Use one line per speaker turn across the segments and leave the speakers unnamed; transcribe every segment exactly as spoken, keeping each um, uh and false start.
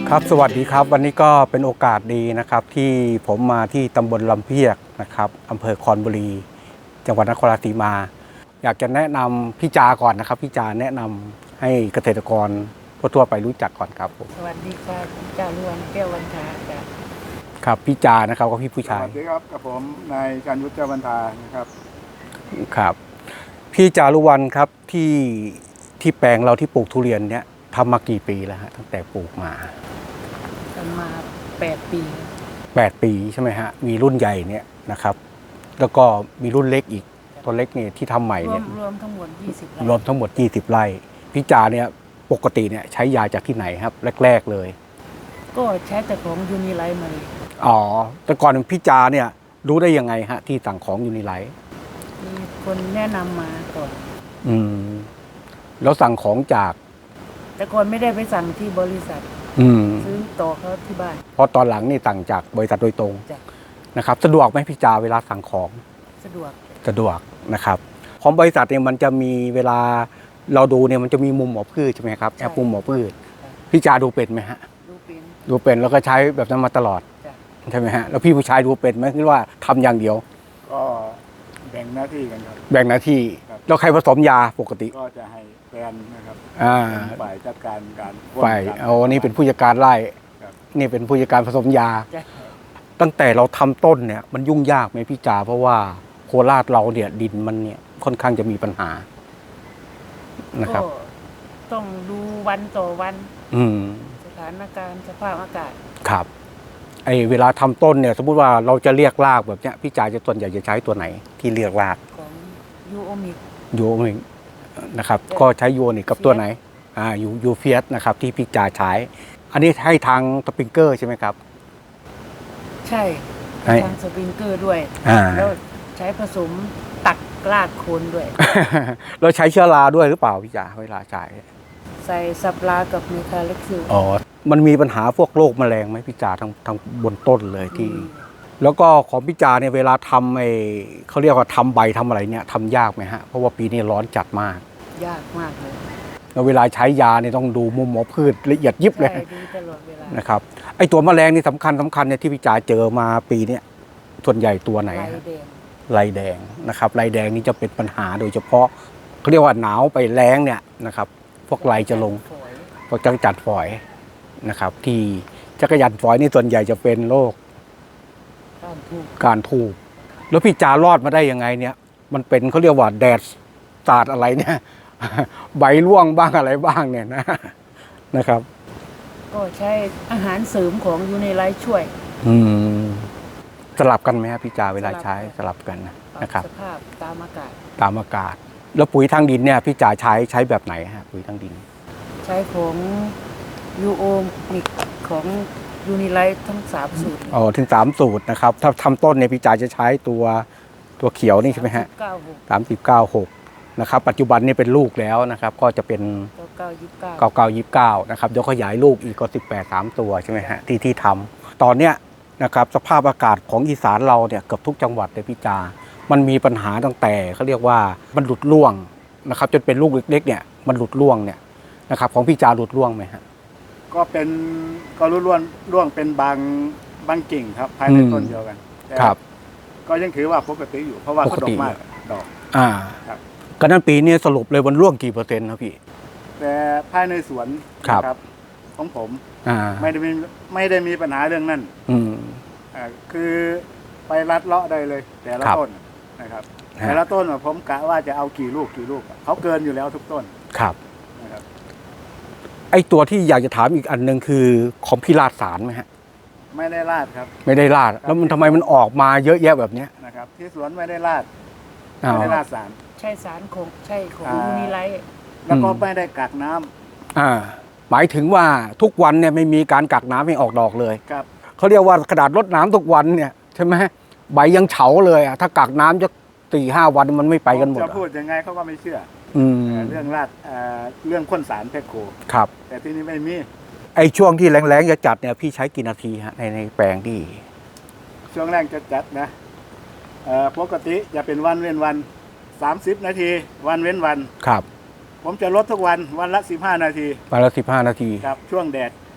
ครับสวัสดีครับวันนี้ก็เป็นโอกาสดีนะครับที่ผมมาที่ตำบลลำเพียกนะครับอำเภอคอนบุรีจังหวัดนครราชสีมาอยากจะแนะนำพี่จาก่อนนะครับพี่จาแนะนำให้เกษตรกรทั่วไปรู้จักก่อนครับผม
สวัสดีค่ะจ่าล้วนแก้ววันทาจ้ะ
ครับพี่จานะครับก็พี่ผู้ชาย
สวัสดีครับกับผมนายการยุทธเจ้าบรรทานะครับ
ครับพี่จารุวรรณครับที่ที่แปลงเราที่ปลูกทุเรียนเนี้ยทำมากี่ปีแล้วฮะตั้งแต่ปลูกมา
ทำมาแปดปี
แปดปีใช่ไหมฮะมีรุ่นใหญ่เนี่ยนะครับแล้วก็มีรุ่นเล็กอีกตัวเล็กเนี่ยที่ทำใหม่เนี่ย
รวมทั้งหมดยี่สิบไร่
รวมทั้งหมดยี่สิบไร่พี่จาเนี่ยปกติเนี่ยใช้ยาจากที่ไหนครับแรกๆเลย
ก็ใช้แต่ของยูนิไลท์มาเลย
อ๋อแต่ก่อนพี่จาเนี่ยรู้ได้ยังไงฮะที่สั่งของยูนิไลท์
มีคนแนะนำมาก่อน
อืมแล้วสั่งของจาก
แต่ก่อนไม่ได้ไปสั่งที่บริษัทซื้อต่อเขาที่บ้าน
เพราะตอนหลังนี่สั่งจากบริษัทโดยตรงนะครับสะดวกไหมพี่จาเวลาสั่งของ
สะดวก
สะดวกนะครับของบริษัทเนี่ยมันจะมีเวลาเราดูเนี่ยมันจะมีมุมหมอพืชใช่ไหมครับแอปมุมหมอพืชพี่จาดูเป็นไหมฮะ
ดูเป็น
ดูเป็นแล้วก็ใช้แบบนั้นมาตลอดใช่ไหมฮะแล้วพี่ผู้ชายดูเป็นไหมคิดว่าทำอย่างเดียว
ก็แบ่งหน้าที่กันครับ
แบ่งหน้าที่แล้วใครผสมยาปกติ
ก็จะให้แฟนนะครับฝ่ายจัดการการ
ฝ่ายเอานี่เป็นผู้จัดการไร่นี่เป็นผู้จัดการผสมยาตั้งแต่เราทำต้นเนี่ยมันยุ่งยากไหมพี่จาเพราะว่าโคราชเราเนี่ยดินมันเนี่ยค่อนข้างจะมีปัญหานะครับ
ต้องดูวันต่อวันสถานการณ์สภาพอากาศ
ครับไอเวลาทำต้นเนี่ยสมมุติว่าเราจะเรียกรากแบบเนี้ยพี่จาจะส่วนใหญ่จะใช้ตัวไหนที่เรียกราก
ของยูโอมิก
ยูโอมิกนะครับก็ใช้ยูโอนิกกับตัวไหนอ่ายูยูเฟียสนะครับที่พี่จาใช้อันนี้ให้ทางสปริงเกอร์ใช่ไหมครับ
ใช่ทางสปริงเกอร์ด้วยแล้วใช้ผสมตักรากโคนด้วย
เราใช้เชื้อราด้วยหรือเปล่าพี่จ๋าเวลาใช้
ใส่สับรากับเมทาเล็กซิล
อ๋อมันมีปัญหาพวกโรคแมลงไหมพี่จ๋าทางทางบนต้นเลยที่แล้วก็ของพี่จ๋าเนี่ยเวลาทำไอ้เขาเรียกว่าทำใบทำอะไรเนี่ยทำยากไหมฮะเพราะว่าปีนี้ร้อนจัดมาก
ยากมากเลย
แล้วเวลาใช้ยาเนี่ยต้องดูมุมหมอพืชละเอียดยิบเลย
ดูตลอดเวลา
นะครับไอ้ตัวแมลงนี่สำคัญสำคัญเนี่ยที่พี่จ๋าเจอมาปีนี้ส่วนใหญ่ตัวไหนลายแดงนะครับลายแดงนี่จะเป็นปัญหาโดยเฉพาะเขาเรียกว่าหนาวไปแล้งเนี่ยนะครับพวกลายจะลงพวกจักรจันทร์ฝอยนะครับที่จักรจันทร์ฝอยนี่ส่วนใหญ่จะเป็นโรคการทูบแล้วพี่จารอดมาได้ยังไงเนี่ยมันเป็นเขาเรียกว่าแดดสาดอะไรเนี่ยใบร่วงบ้างอะไรบ้างเนี่ยนะนะครับ
ก็ใช้อาหารเสริมของยูนิไลท์ช่วย
อืมสลับกันไหมครับพี่จาเวลาใช้สลับกันนะครับ
สภาพตามอากาศ
ตามอากาศแล้วปุ๋ยทางดินเนี่ยพี่จาใช้ใช้แบบไหนฮะปุ๋ยทางดิน
ใช้ของยูโอมิกของยูนิไลท์ทั้งสามสูตร
อ๋อถึงสามสูตรนะครับถ้าทำต้นเนี่ยพี่จาจะใช้ตัวตัวเขียวนี่ใช่ไหมฮะสามสิบเก้าหกนะครับปัจจุบันนี่เป็นลูกแล้วนะครับก็จะเป็น
เก้ายี่สิบเก้า
เก้าเก้ายี่สิบเก้านะครับเดี๋ยวขยายลูกอีกก็สิบแปดสามตัวใช่ไหมฮะที่ที่ทำตอนเนี้ยนะครับสภาพอากาศของอีสานเราเนี่ยเกือบทุกจังหวัดเลยพี่จามันมีปัญหาตั้งแต่เขาเรียกว่ามันหลุดร่วงนะครับจนเป็นลูกเล็กๆเนี่ยมันหลุดร่วงเนี่ยนะครับของพี่จาหลุดร่วงไหมฮะ
ก็เป็นก็รุ่นร่วงร่วงเป็นบางบางกิ่งครับภายในต้นเดียวกัน
ครับ
ก็ยังถือว่าปกติอยู่เพราะว่าเขาดอกมากดอก
อ่าครับก็นั้นปีนี้สรุปเลยมันร่วงกี่เปอร์เซ็นต์ครับพี่
แต่ภายในสวนครับของผมไม่ได้มีไม่ได้มีปัญหาเรื่องนั้นอ่าคือไปรัดเลาะได้เลยแต่ละต้นนะครับแต่ละต้นผมกะว่าจะเอากี่ลูกกี่ลูกเขาเกินอยู่แล้วทุกต้น
ครับนะครับไอตัวที่อยากจะถามอีกอันหนึ่งคือของพี่ราดสารไหมฮะ
ไม่ได้ราดครับ
ไม่ได้ราดแล้วมันทำไมมันออกมาเยอะแยะแบบนี้
นะครับที่สวนไม่ได้ราดไม่ได้ราดสาร
ใช่สารของใช่ของยูนิไลท์
แล้วก็ไม่ได้กักน้
ำอ่าหมายถึงว่าทุกวันเนี่ยไม่มีการกักน้ำให้ออกดอกเลย
ครับ
เขาเรียกว่ากระดาษรดน้ำทุกวันเนี่ยใช่ไหมใบยังเฉาเลยอ่ะถ้ากักน้ำจะสี่ห้าวันมันไม่ไปกันหมด
จะพูดยังไงเขาก็ไม่เชื่อเรื่องราดเรื่องพ่นสารเพชโค
ครับ
แต่ที่นี้ไม่มี
ไอช่วงที่แรงๆจะจัดเนี่ยพี่ใช้กี่นาทีฮะในในแปลงที่
ช่วงแรกจะจัดนะปกติจะเป็นวันเว้นวันสามสิบนาทีวันเว้นวัน
ครับ
ผมจะลดทุกวันวันละสิบห้านาที
วันละสิบห้านาที
ครับช่วงแดด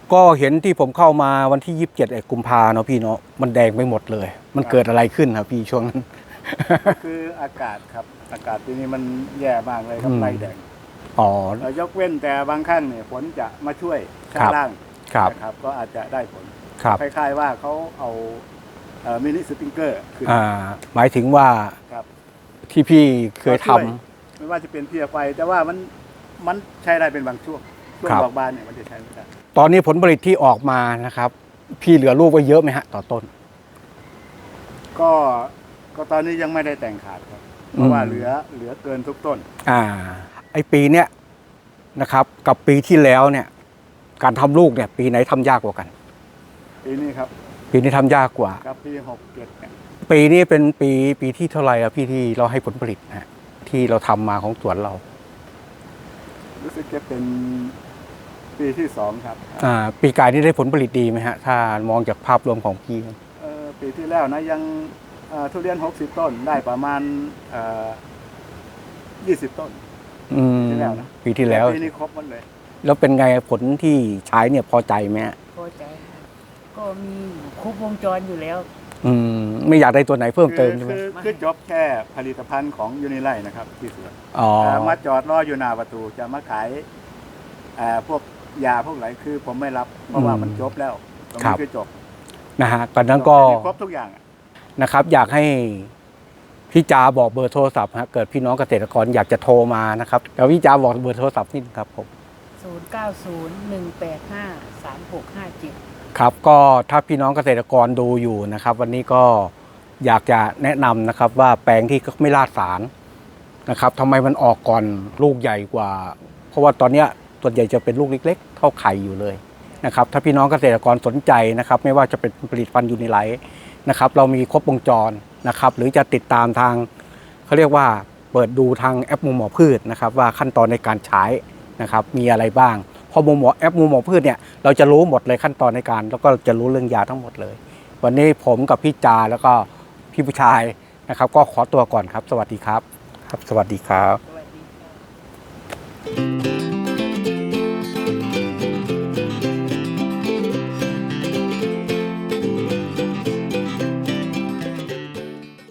ก็เห็นที่ผมเข้ามาวันที่ยี่สิบเจ็ดกุมภาเนาะพี่เนาะมันแดงไปหมดเลย มันเกิดอะไรขึ้นครับพี่ช่วงนั้น
คืออากาศครับอากาศปีนี้มันแย่มากเลยครับ
อืม
ไรแดง
อ๋อ
เรายกเว้นแต่บางครั้งเนี่ยฝนจะมาช่วยข้า
ครั
ง
บ
ล่าง
ครับ
นะครับ ก็อาจจะได้ผล
ครับ
คล้ายๆว่าเขาเอาเอ่อมินิสปริงเกอร์ขึ้น
อ่าหมายถึงว่า
ครับ
ที่พี่เคยทำ
ก็ช่วยไม่ว่าจะเป็นเพียไฟ แต่ว่ามันมันใช้ได้เป็นบางช่วงช่วง
ครับ
ดอกบานเนี่ยมันจะใช้ไม่ได้
ตอนนี้ผลผลิตที่ออกมานะครับ พี่เหลือลูกไว้เยอะไหมฮะต่อต้น
ก็ก็ตอนนี้ยังไม่ได้แต่งขาดครับ เพราะว่า
อืม
เหลือเหลือเกินทุกต้น
อ่า ไอปีเนี้ยนะครับ กับปีที่แล้วเนี่ย การทำลูกเนี่ย ปีไหนทำยากกว่ากัน
ปีนี้ครับ
ปีนี้ทำยากกว่า
กับปีหกเจ็ดเนี่ย
ปีนี้เป็นปีปีที่เท่าไหร่อะพี่ที่เราให้ผลผลิตนะฮะที่เราทำมาของสวนเรา
รู้สึกจะเป็นปีที่สองครับ
อ่า ปีกายนี่ได้ผลผลิตดีไหมฮะ ถ้ามองจากภาพรวมของพี่
เอ่อปีที่แล้วนะยังเอ่อทุเรียนหกสิบต้นได้ประมาณเอ่อยี่สิบต้น
อืม
ปีที่แล้วนะ
ปีที่แล้ว
ปีนี้ครบหมดเลย
แล้วเป็นไงผลที่ใช้เนี่ยพอใจไหมฮะ
พอใจค่ะก็มีอยู่ครบวงจรอยู่แล้ว
อืม ไม่อยากได้ตัวไหนเพิ่มเติมใช่ไหม
คือคือจบแค่ผลิตภัณฑ์ของยูนิไลนะครับที่สวน
อ๋อ
เอ่อมาจอดรออยู่หน้าประตูจะมาขายเอ่อพวกยาพวกไหนคือผมไม่รับ เพราะว่ามันจบแล้วตรง
ครั
นี้
บ
คือจบ
นะฮะตอนนั้นก็
ครบทุกอย่างอะ
นะครับ อยากให้พี่จาบอกเบอร์โทรศัพท์ฮะเกิดพี่น้องเกษตรกรอยากจะโทรมานะครับเดี๋ยวพี่จาบอกเบอร์โทรศัพท์นิดนึงครับผม
ศูนย์ เก้า ศูนย์ หนึ่ง แปด ห้า สาม หก ห้า เจ็ด
ครับก็ถ้าพี่น้องเกษตรกรดูอยู่นะครับ วันนี้ก็อยากจะแนะนำนะครับว่าแปลงที่ไม่ลาดสารนะครับทำไมมันออกก่อนลูกใหญ่กว่า เพราะว่าตอนเนี้ยส่วนใหญ่จะเป็นลูกเล็กๆเท่าไข่อยู่เลยนะครับถ้าพี่น้องเกษตรกรสนใจนะครับไม่ว่าจะเป็นผลิตภัณฑ์ยูนิไลท์นะครับเรามีครบวงจรนะครับหรือจะติดตามทางเขาเรียกว่าเปิดดูทางแอปมูหมอพืชนะครับว่าขั้นตอนในการใช้นะครับมีอะไรบ้างพอมูหมอแอปมูหมอพืชเนี่ยเราจะรู้หมดเลยขั้นตอนในการแล้วก็จะรู้เรื่องยาทั้งหมดเลย วันนี้ผมกับพี่จาแล้วก็พี่ผู้ชายนะครับ ก็ขอตัวก่อนครับ สวัสดีครับครับ สวัสดีครับ